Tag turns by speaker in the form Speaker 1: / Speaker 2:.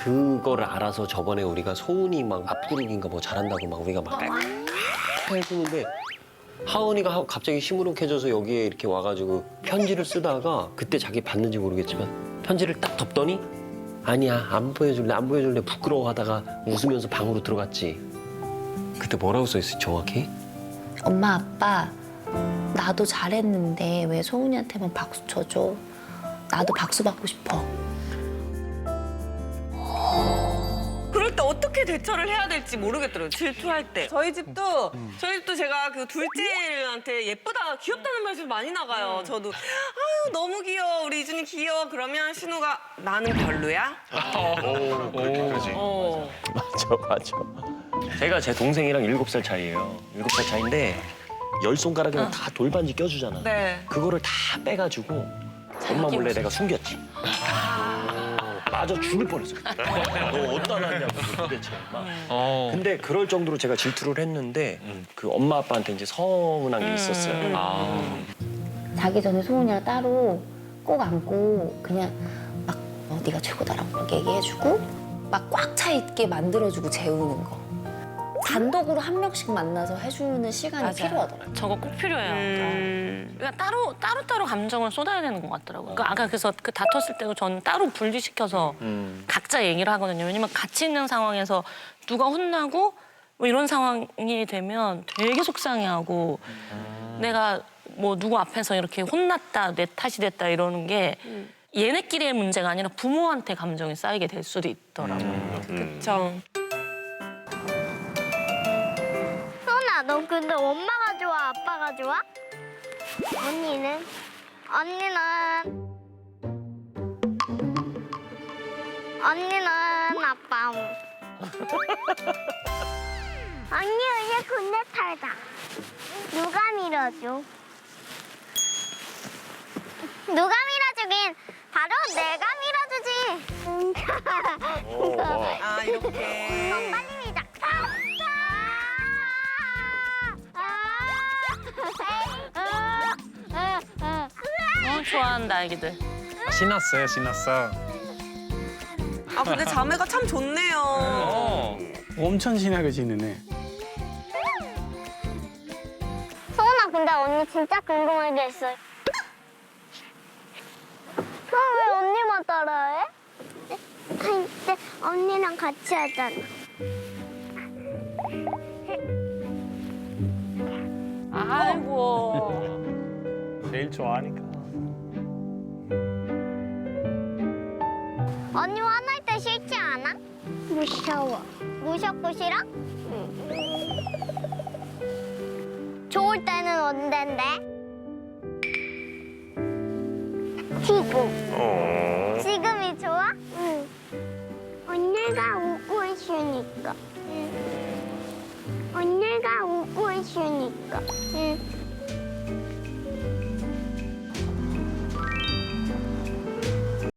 Speaker 1: 그거를 알아서 저번에 우리가 소은이 막 앞구르기인가 뭐 잘한다고 막 우리가 막 해주는데 하은이가 갑자기 시무룩해져서 여기에 이렇게 와가지고 편지를 쓰다가 그때 자기 봤는지 모르겠지만 편지를 딱 덮더니 아니야 안 보여줄래 부끄러워하다가 웃으면서 방으로 들어갔지. 그때 뭐라고 써있어 정확히?
Speaker 2: 엄마 아빠 나도 잘했는데 왜 소은이한테만 박수 쳐줘? 나도 박수 받고 싶어.
Speaker 3: 그럴 때 어떻게 대처를 해야 될지 모르겠더라고요. 질투할 때. 저희 집도 제가 그 둘째한테 예쁘다, 귀엽다는 말씀 많이 나가요. 저도 아유 너무 귀여워, 우리 이준이 귀여워. 그러면 신우가 나는 별로야?
Speaker 4: 그러지.
Speaker 1: 맞아. 제가 제 동생이랑 7살 차이예요. 7살 차이인데 10손가락에는 다 돌반지 껴주잖아.
Speaker 3: 네.
Speaker 1: 그거를 다 빼가지고 엄마 몰래 내가 숨겼지. 맞아 죽을 뻔했어. 너 어디다 놨냐고 도대체. 막. 근데 그럴 정도로 제가 질투를 했는데 그 엄마 아빠한테 이제 서운한 게 있었어요.
Speaker 2: 자기 전에 소은이랑 따로 꼭 안고 그냥 막 네가 최고다라고 막 얘기해주고 막 꽉 차 있게 만들어주고 재우는 거. 단독으로 한 명씩 만나서 해주는 시간이 필요하더라고요.
Speaker 5: 저거 꼭 필요해요. 그러니까 따로 감정을 쏟아야 되는 것 같더라고요. 그러니까 아까 그래서 그 다퉜을 때도 저는 따로 분리시켜서 각자 얘기를 하거든요. 왜냐면 같이 있는 상황에서 누가 혼나고 뭐 이런 상황이 되면 되게 속상해하고 내가 뭐 누구 앞에서 이렇게 혼났다, 내 탓이 됐다 이러는 게 얘네끼리의 문제가 아니라 부모한테 감정이 쌓이게 될 수도 있더라고요.
Speaker 3: 그쵸.
Speaker 6: 소은아, 너 근데 엄마가 좋아, 아빠가 좋아? 언니는? 언니는 아빠. 언니 이제 군대 탈다. 누가 밀어줘? 누가 밀어주긴 바로 내가 밀어주지.
Speaker 3: 아 이렇게.
Speaker 6: 그럼 빨리 밀자.
Speaker 5: 좋아한다, 아기들.
Speaker 4: 신났어요, 신났어.
Speaker 3: 아 근데 자매가 참 좋네요.
Speaker 7: 엄청 친하게 지내네.
Speaker 6: 소은아, 근데 언니 진짜 궁금한 게 있어. 그럼 왜 언니만 따라해? 할 때 언니랑 같이 하잖아.
Speaker 5: 아이고.
Speaker 4: 제일 좋아하니까.
Speaker 6: 언니 화날 때 싫지 않아? 무서워. 무섭고 싫어? 응. 좋을 때는 언젠데? 지금. 지금이 좋아? 응. 언니가 웃고 있으니까. 응. 언니가 웃고 있으니까. 응.